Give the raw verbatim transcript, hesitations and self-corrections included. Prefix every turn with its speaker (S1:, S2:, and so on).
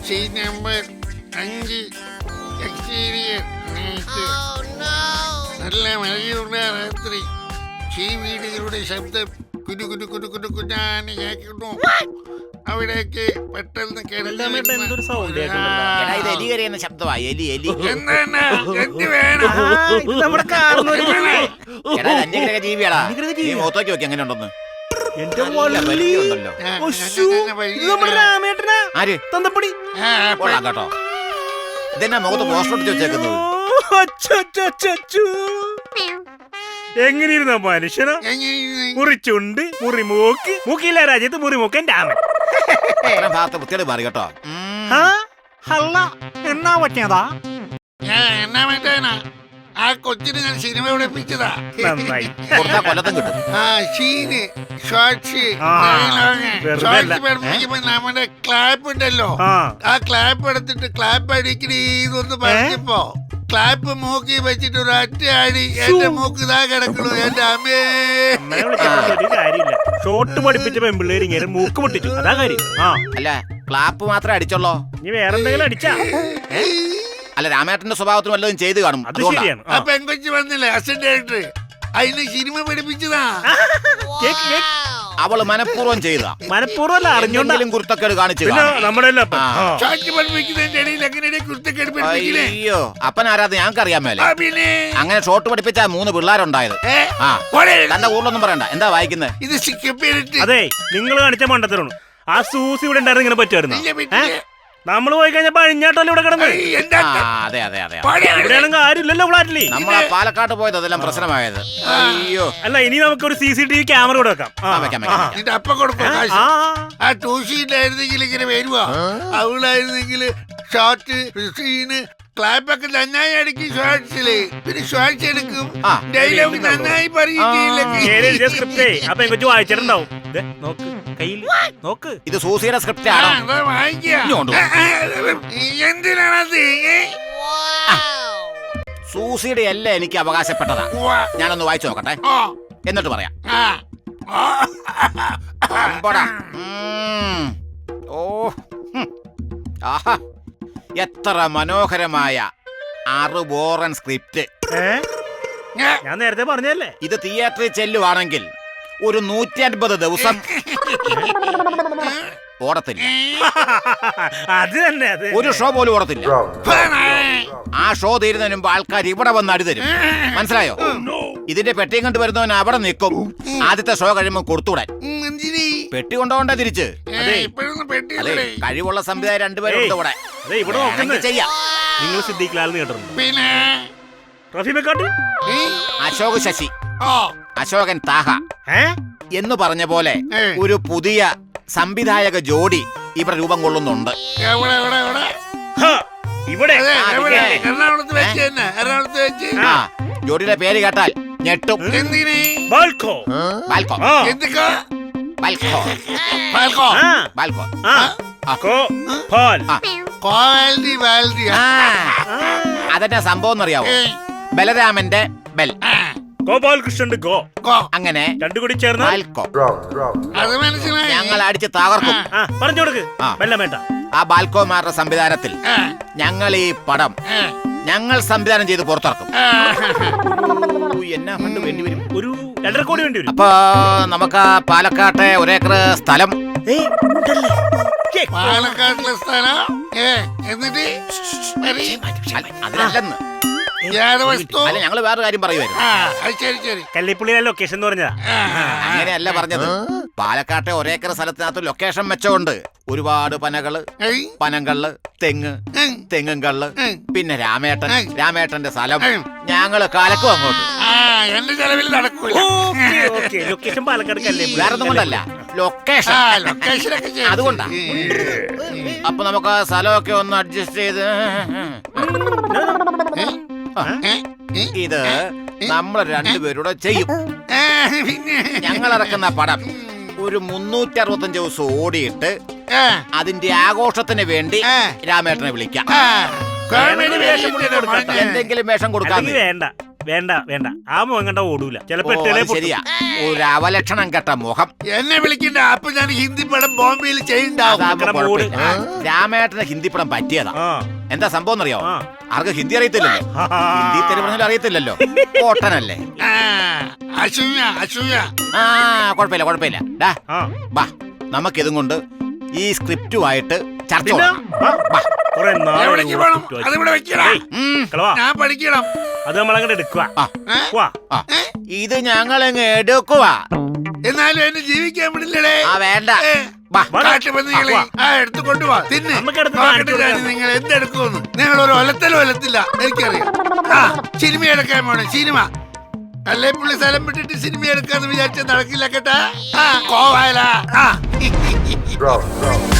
S1: Scene number അഞ്ച് exterior night. നല്ല മഴയുള്ള രാത്രി ഈ വീടുകളുടെ ശബ്ദം കുരു കുരു കുരു കുരു കുഞ്ഞാന്ന് കേൾക്കുന്നു. അവിടേക്ക് പെട്ടെന്ന്
S2: ശബ്ദമാ എലി എലി
S1: എന്താണ് എന്ത് വേണം?
S2: ജീവിയാടാ നീ മുഖത്തോക്കി നോക്കി എങ്ങനെ ഉണ്ടെന്ന്. കേട്ടോ ഇതെന്നാ മുഖത്ത് പോസ്റ്റർ ഒട്ടിച്ച് വെച്ചേക്കുന്നത്.
S3: എങ്ങനെയിരുന്ന മനുഷ്യനോ? മുറിച്ചുണ്ട് മുറി മൂക്ക് മൂക്കില്ല രാജ്യത്ത് മുറി മൂക്കൻ രാമൻ.
S2: ഭാഗത്ത് വൃത്തിയോട് മാറി കേട്ടോ.
S3: അല്ല എന്നാ പറ്റിയതാ?
S1: എന്നാ പറ്റാനാ? ആ കൊച്ചിന് ഞാൻ സിനിമ പഠിപ്പിച്ചതാ.
S3: നന്നായി.
S2: കൊല്ലത്തും കിട്ടും.
S1: ആ സീന് ഷോർട്സ് ഷോർട്സ് പഠിപ്പിക്കുമ്പോ നമ്മുടെ ക്ലാപ്പ് ഉണ്ടല്ലോ, ആ ക്ലാപ്പ് എടുത്തിട്ട് ക്ലാപ്പ് അടിക്കണീന്നൊന്ന് പറഞ്ഞപ്പോ ക്ലാപ്പ് മൂക്കി വെച്ചിട്ട് ഒരു ഒറ്റ അടി എന്റെ മൂക്ക് ഇതാ കിടക്കണു. എന്റെ അമ്മേ
S3: കാര്യമില്ല. ഷോട്ട് പഠിപ്പിച്ച പെമ്പിള്ളേര് ഇങ്ങനെ മൂക്ക് പൊട്ടിച്ചു, അതാ കാര്യം. ആ
S2: അല്ല ക്ലാപ്പ് മാത്രമേ അടിച്ചോളോ?
S3: നീ വേറെന്തെങ്കിലും അടിച്ചാ?
S2: അല്ല രാമേട്ടന്റെ സ്വഭാവത്തിന് വല്ലതും ചെയ്ത് കാണും.
S3: അത് ശരിയാണ്.
S1: ആ പെങ്കൊച്ച് വന്നില്ലേ അസിസ്റ്റന്റ് ഡയറക്ടർ, അതിന് സിനിമ പഠിപ്പിച്ചതാ.
S2: അവള് മനഃപൂർവ്വം ചെയ്താ.
S3: മനഃപൂർവ്വം അറിഞ്ഞോണ്ടെങ്കിലും
S2: കുരുത്തക്കേട് കാണിച്ചു. അയ്യോ അപ്പൻ ആരാധന ഞങ്ങൾക്ക് അറിയാൻ മേലെ. അങ്ങനെ ഷോട്ട് പഠിപ്പിച്ച മൂന്ന് പിള്ളേരുണ്ടായത്. ആ തന്റെ ഊരിലൊന്നും പറയണ്ട. എന്താ വായിക്കുന്നത്?
S1: ഇത്
S3: അതെ നിങ്ങൾ കാണിച്ച മണ്ടത്തരാണ്. ആ സൂസി ഇവിടെ ഉണ്ടായിരുന്നു ഇങ്ങനെ പറ്റുമായിരുന്നു. നമ്മള് പോയി കഴിഞ്ഞപ്പോ അഴിഞ്ഞാട്ടല്ലോ ഇവിടെ കിടന്ന്.
S2: അതെ അതെ അതെ
S3: ഇവിടെയാണെങ്കിൽ ആരുമില്ലല്ലോ ഫ്ലാറ്റില്.
S2: നമ്മളെ പാലക്കാട് പോയത് അതെല്ലാം പ്രശ്നമായത്. അയ്യോ
S3: അല്ല ഇനി നമുക്ക് ഒരു C C T V camera കൂടെ വെക്കാം.
S1: അപ്പ കൊടുക്കും. ആ ടൂ ഷീറ്റായിരുന്നെങ്കിൽ ഇങ്ങനെ വരുവാ. അവളായിരുന്നെങ്കിൽ ഷോർട്ട് സീന് ക്ലാപ്പൊക്കെ നന്നായി അടിക്കും. ഷോർട്സില് പിന്നെ ഷോർട്സ് എടുക്കും. ഡയലോഗ് നന്നായി
S3: അപ്പൊ കൊച്ചു വായിച്ചിട്ടുണ്ടാവും. നോക്ക്
S2: ഇത് സൂസിയുടെ സ്ക്രിപ്റ്റ് ആണോ?
S1: എന്തിനാണത്?
S2: സൂസിയുടെ അല്ല എനിക്ക് അവകാശപ്പെട്ടതാ. ഞാനൊന്ന് വായിച്ചു നോക്കട്ടെ എന്നിട്ട് പറയാം. ഓ ആഹാ എത്ര മനോഹരമായ ആറ് ബോറൻ സ്ക്രിപ്റ്റ്.
S3: ഞാൻ നേരത്തെ പറഞ്ഞല്ലേ.
S2: ഇത് തിയേറ്ററിൽ ചെല്ലുവാണെങ്കിൽ ഒരു നൂറ്റി അൻപത് ദിവസം ഓടത്തില്ല.
S3: അത് തന്നെ
S2: ഒരു ഷോ പോലും ഓടത്തില്ല. ആ ഷോ തീരുന്നതിന് മുമ്പ് ആൾക്കാർ ഇവിടെ വന്ന് അടി തരും. മനസ്സിലായോ? ഇതിന്റെ പെട്ടിയും കൊണ്ട് വരുന്നവൻ അവിടെ നിൽക്കും. ആദ്യത്തെ ഷോ കഴിയുമ്പോൾ കൊടുത്തുവിടാൻ. പെട്ടി കൊണ്ടുപോകണ്ട തിരിച്ച്. അതെ കഴിവുള്ള സംവിധായകർ രണ്ടുപേരും ഉണ്ട് ഇവിടെ. ചെയ്യാം.
S3: നിങ്ങൾ സിദ്ദീഖ് കേട്ടിട്ടുണ്ട്?
S2: അശോക് ശശി, അശോകൻ താഹ എന്ന് പറഞ്ഞ പോലെ ഒരു പുതിയ സംവിധായക ജോഡി ഇവിടെ രൂപം കൊള്ളുന്നുണ്ട്. ജോഡിയുടെ പേര് കേട്ടാൽ ഞെട്ടും.
S1: ബാൽക്കോ
S2: ബാൽക്കോ ബാൽക്കോ ബാൽക്കോ അതെന്നാ സംഭവം എന്നറിയാവോ? ബലരാമന്റെ ബെൽ,
S3: ഗോപാലകൃഷ്ണന്റെ ഗോ.
S2: അങ്ങനെ
S3: രണ്ടു കൂടി ചേർന്ന്
S2: ബാൽക്കോ. ഞങ്ങൾ അടിച്ച് തകർക്കും.
S3: പറഞ്ഞു കൊടുക്ക്.
S2: ആ ബാൽക്കോമാരുടെ സംവിധാനത്തിൽ ഞങ്ങൾ ഈ പടം ഞങ്ങൾ സംവിധാനം ചെയ്ത് പുറത്തിറക്കും. എന്നാ ഫണ്ട് വേണ്ടി വരും?
S3: ഒരു രണ്ടര കോടി വേണ്ടി വരും.
S2: അപ്പൊ നമുക്ക് പാലക്കാട്ടെ ഒരേക്കർ സ്ഥലം.
S1: പാലക്കാട്ടിലെ സ്ഥലം എന്നിട്ട്
S2: അതിനല്ലെന്ന്. അല്ല ഞങ്ങള് വേറെ കാര്യം പറയുമായിരുന്നു.
S3: കല്ലിപ്പുള്ളിയിലെ ലൊക്കേഷൻ എന്ന് പറഞ്ഞതാ.
S2: അങ്ങനെയല്ല പറഞ്ഞത്. പാലക്കാട്ടെ ഒരേക്കർ സ്ഥലത്തിനകത്ത് ലൊക്കേഷൻ മെച്ചമുണ്ട്. ഒരുപാട് പനകള്, പനങ്കള്ള്, തെങ്ങ്, തെങ്ങും കള്ള്, പിന്നെ രാമേട്ടൻ, രാമേട്ടന്റെ സ്ഥലം. ഞങ്ങള് കാലക്കും അങ്ങോട്ട്.
S1: എന്റെ ചെലവിൽ നടക്കൂല.
S3: ലൊക്കേഷൻ പാലക്കാട്.
S2: വേറെ ഒന്നും കൊണ്ടല്ല, ലൊക്കേഷൻ. അതുകൊണ്ടാ. അപ്പൊ നമുക്ക് സ്ഥലമൊക്കെ ഒന്ന് അഡ്ജസ്റ്റ് ചെയ്ത്. ഇത് നമ്മൾ രണ്ടുപേരൂടെ ചെയ്യും. ഞങ്ങൾ ഇറക്കുന്ന പടം ഒരു മുന്നൂറ്റി അറുപത്തഞ്ച് ദിവസം ഓടിയിട്ട് അതിന്റെ ആഘോഷത്തിന് വേണ്ടി രാമേട്ടനെ വിളിക്കാം. എന്തെങ്കിലും വേഷം കൊടുക്കാൻ.
S3: വേണ്ട വേണ്ട വേണ്ട ആ മുഖം കണ്ട ഓടൂല ചിലപ്പോ
S2: ഓ,
S3: എട്ടേലേ
S2: അത് ശരിയാ ഒരു അവലക്ഷണം കെട്ട മുഖം.
S1: എന്നെ വിളിക്കണ്ട, അപ്പൊ ഞാൻ ഹിന്ദി പടം ബോംബെയിൽ ചെയ്യണ്ടാവും.
S2: അതാകുമ്പോ
S3: മക്കളുടെ മൂട്.
S2: കുഴപ്പമില്ല. രാമേട്ടന് ഹിന്ദി പടം പറ്റിയതാ.
S3: ആ
S2: എന്താ സംഭവം എന്നറിയോ?
S3: ആ.
S2: ആർക്ക് ഹിന്ദി അറിയത്തില്ലല്ലോ.
S3: ആ.
S2: ഹിന്ദി തെറി പറഞ്ഞാലും അറിയത്തില്ലല്ലോ. കോട്ടനല്ലേ.
S1: ആ, അസൂയ അസൂയ.
S2: ആ കുഴപ്പമില്ല കുഴപ്പമില്ല. ഡാ
S3: ആ
S2: ബാ നമുക്കിതും കൊണ്ട് ഈ സ്ക്രിപ്റ്റുമായിട്ട് ചർച്ച
S3: പിന്നെ?
S2: തുടങ്ങാം.
S3: ആ,
S2: ബാ.
S3: കുറെ നാളായി
S1: എവിടേക്ക്
S3: ഇവിടെ
S1: വേണം?
S3: ചുറ്റും വെച്ച്.
S1: അതിവിടെ വെക്കടാ.
S3: ഏയ്,
S2: ഉം.
S3: കിളവാ,
S1: ഞാൻ പഠിക്കണം.
S3: അത് നമ്മളങ്ങോട്ട് എടുക്കുക
S2: ആ,
S3: വാ
S2: ആ. ഇത് ഞങ്ങളങ്ങ് എടുക്കുവാ.
S1: എന്നാലും എന്നെ ജീവിക്കാൻ വിടില്ലടേ.
S2: ആ വേണ്ട.
S1: ഏ,
S2: ബാ.
S1: കാട്ടുപന്നികളെ
S3: വാ.
S1: ആ എടുത്തു കൊണ്ടുപോവാ തിന്ന്.
S3: നമുക്ക് എടുത്ത്
S1: നോക്കട്ടെ
S3: കാണിച്ചു
S1: ഞാൻ
S3: കൊടുക്കാം.
S1: നിങ്ങൾ എന്തെടുക്കുമെന്ന്. നിങ്ങൾ ഒരു ഒലത്തലും ഒലത്തില്ല, എനിക്കറിയാം. ആ സിനിമ എടുക്കാൻ പോണേ സിനിമ. അല്ലേ പുള്ളി സ്ഥലം വിട്ടിട്ട് സിനിമ എടുക്കാന്ന് വിചാരിച്ച നടക്കില്ല കേട്ടാ. ആ കോവാല. ആ